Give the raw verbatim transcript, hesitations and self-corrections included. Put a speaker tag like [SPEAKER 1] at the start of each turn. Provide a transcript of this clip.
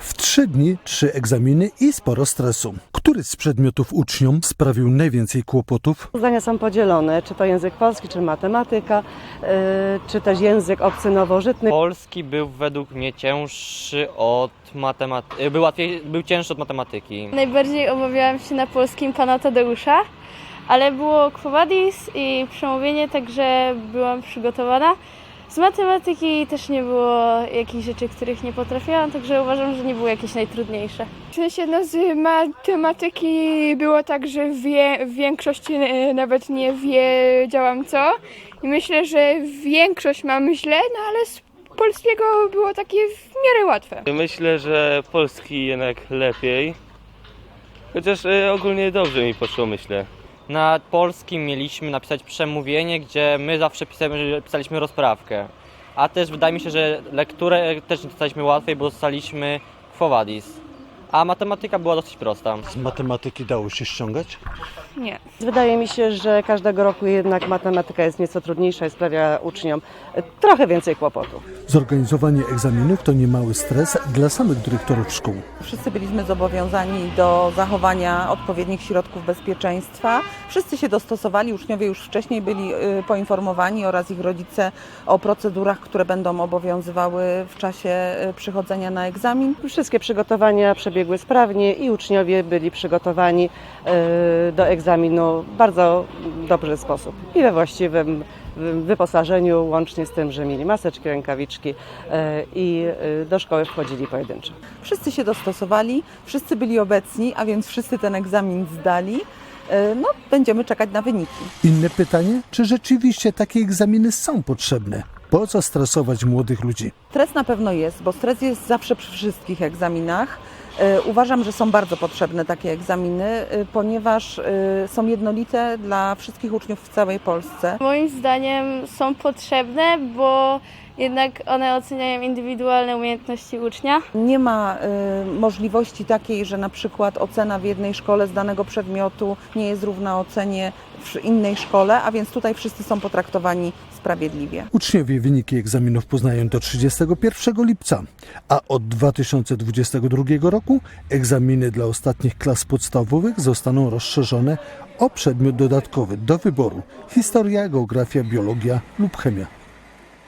[SPEAKER 1] W trzy dni trzy egzaminy i sporo stresu. Który z przedmiotów uczniom sprawił najwięcej kłopotów?
[SPEAKER 2] Zdania są podzielone, czy to język polski, czy matematyka, yy, czy też język obcy nowożytny.
[SPEAKER 3] Polski był według mnie cięższy od matematyki, był, łatwiej, był cięższy od matematyki.
[SPEAKER 4] Najbardziej obawiałam się na polskim pana Tadeusza, ale było Quo Vadis i przemówienie, także byłam przygotowana. Z matematyki też nie było jakichś rzeczy, których nie potrafiłam, także uważam, że nie było jakieś najtrudniejsze.
[SPEAKER 5] W sensie no z matematyki było tak, że wie, w większości nawet nie wiedziałam co i myślę, że większość mam źle, no ale z polskiego było takie w miarę łatwe.
[SPEAKER 6] Myślę, że polski jednak lepiej, chociaż e, ogólnie dobrze mi poszło, myślę.
[SPEAKER 3] Na polskim mieliśmy napisać przemówienie, gdzie my zawsze pisaliśmy, pisaliśmy rozprawkę. A też wydaje mi się, że lekturę też nie dostaliśmy łatwiej, bo dostaliśmy Quo Vadis. A matematyka była dosyć prosta.
[SPEAKER 1] Z matematyki dało się ściągać?
[SPEAKER 5] Nie.
[SPEAKER 2] Wydaje mi się, że każdego roku jednak matematyka jest nieco trudniejsza i sprawia uczniom trochę więcej kłopotów.
[SPEAKER 1] Zorganizowanie egzaminów to niemały stres dla samych dyrektorów szkół.
[SPEAKER 7] Wszyscy byliśmy zobowiązani do zachowania odpowiednich środków bezpieczeństwa. Wszyscy się dostosowali, uczniowie już wcześniej byli poinformowani oraz ich rodzice o procedurach, które będą obowiązywały w czasie przychodzenia na egzamin.
[SPEAKER 2] Wszystkie przygotowania przebiegły sprawnie i uczniowie byli przygotowani do egzaminu w bardzo dobry sposób i we właściwym wyposażeniu, łącznie z tym, że mieli maseczki, rękawiczki i do szkoły wchodzili pojedynczo.
[SPEAKER 7] Wszyscy się dostosowali, wszyscy byli obecni, a więc wszyscy ten egzamin zdali. No, będziemy czekać na wyniki.
[SPEAKER 1] Inne pytanie, czy rzeczywiście takie egzaminy są potrzebne? Po co stresować młodych ludzi?
[SPEAKER 7] Stres na pewno jest, bo stres jest zawsze przy wszystkich egzaminach. Uważam, że są bardzo potrzebne takie egzaminy, ponieważ są jednolite dla wszystkich uczniów w całej Polsce.
[SPEAKER 4] Moim zdaniem są potrzebne, bo jednak one oceniają indywidualne umiejętności ucznia.
[SPEAKER 7] Nie ma y, możliwości takiej, że na przykład ocena w jednej szkole z danego przedmiotu nie jest równa ocenie w innej szkole, a więc tutaj wszyscy są potraktowani sprawiedliwie.
[SPEAKER 1] Uczniowie wyniki egzaminów poznają do trzydziestego pierwszego lipca, a od dwa tysiące dwudziestego drugiego roku egzaminy dla ostatnich klas podstawowych zostaną rozszerzone o przedmiot dodatkowy do wyboru: historia, geografia, biologia lub chemia.